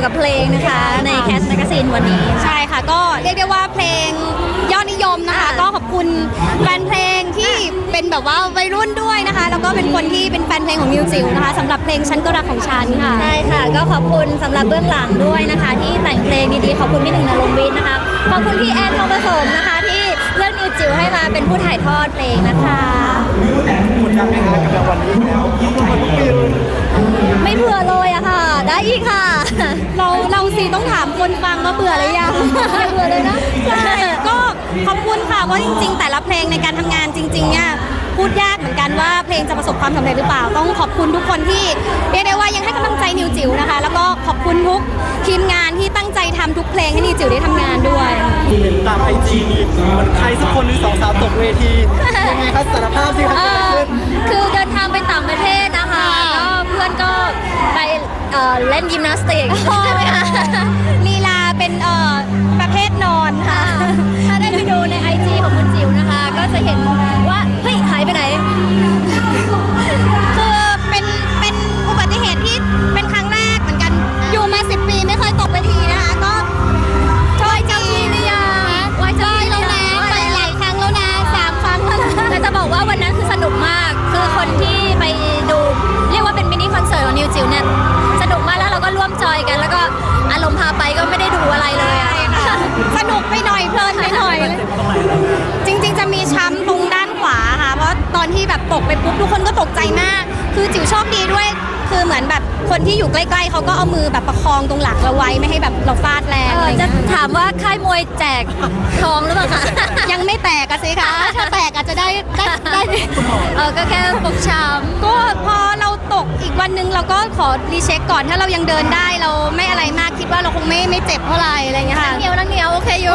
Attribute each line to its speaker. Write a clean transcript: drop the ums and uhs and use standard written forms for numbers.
Speaker 1: ยวกับเพลงนะคะในแคสแมกกาซีนวันนี้ใช่ค่ะก็เรียกได้ว่าเพลงยอดนิยมนะคะก็ขอบคุณแฟนเพลงที่เป็นแบบว่าวัยรุ่นด้วยนะคะแล้วก็เป็นคนที่เป็นแฟนเพลงของนิวจิ๋วนะคะสำหรับเพลงฉันก็รักของฉันค่ะใช่ค่ะก็ขอบคุณสำหรับเบื้องหลังด้วยนะคะที่แต่งเพลงดีๆขอบคุณพี่หนึ่งนรงค์วิทย์นะคะขอบคุณพี่แอนทองผสมนะคะที่เลือกนิวจิ๋วให้มาเป็นผู้ถ่ายทอดเพลงนะคะ
Speaker 2: กดดันไหมคะกับรางวัลนี้แล้ว
Speaker 1: ไม่เบื่อเลยอะค่ะได้อีกค่ะเราสิต้องถามคนฟังว่าเบื่อหรือยังไม่เบื่อเลยนะใช่ก็ขอบคุณค่ะว่าจริงๆแต่ละเพลงในการทำงานจริงๆเนี่ยพูดยากเหมือนกันว่าเพลงจะประสบความสำเร็จหรือเปล่าต้องขอบคุณทุกคนที่เรียกได้ว่ายังให้กำลังใจนิวจิ๋วนะคะแล้วก็ขอบคุณทุกทีมงานที่ตั้งใจทำทุกเพลงให้นิวจิ๋วได้ทำงานด้วย
Speaker 2: เห็นตามIGเหมือนใครสักคนหรือสองสาวตกเวทียังไงครับสารภาพสิครับ
Speaker 1: คือเดินทางไปต่างประเทศนะคะก็เพื่อนก็ไปเล่นยิมนาสติกใช่ไหมคะลีลาเป็นประเภทนอนค่ะถ้าได้ไปดูใน IG ของคุณจิ๋วนะคะก็จะเห็นว่าเฮ้ยหายไปไหนคือเป็นอุบัติเหตุที่เป็นครั้งแรกเหมือนกันอยู่มา10 ปีไม่เคยตกเวทีนะคะก็ช่วยจีนี่ยังไว้ใจแล้วนะไปหลายครั้งแล้วนะ3 ครั้งแล้วนะแต่จะบอกว่าวันนั้นคือสนุกมากคือคนที่ไปดูเรียกว่าเป็นมินิคอนเสิร์ตของนิวจิ๋วเนี่ยสนุกมากแล้วเราก็ร่วมจอยกันแล้วก็อารมณ์พาไปก็ไม่ได้ดูอะไรเลยสนุกไปหน่อยเพลินไปหน่อยจริงๆจะมีช้ำตรงด้านขวาค่ะเพราะตอนที่แบบตกไปปุ๊บทุกคนก็ตกใจมากคือจิ๋วโชคดีด้วยคือเหมือนแบบคนที่อยู่ใกล้ๆเขาก็เอามือแบบประคองตรงหลังเราไว้ไม่ให้แบบเราฟาดแรงจะถามว่าค่ายมวยแจกทองหรือเปล่าคะยังไม่แตกอะสิคะถ้าแตกอาจจะได้ก็แค่ฟกช้ำก็พอเราตกอีกวันนึงเราก็ขอรีเช็คก่อนถ้าเรายังเดินได้เราไม่อะไรมากคิดว่าเราคงไม่เจ็บเท่าไหร่อะไรอย่างเงี้ยค่ะนั่งเหนียวโอเคอยู่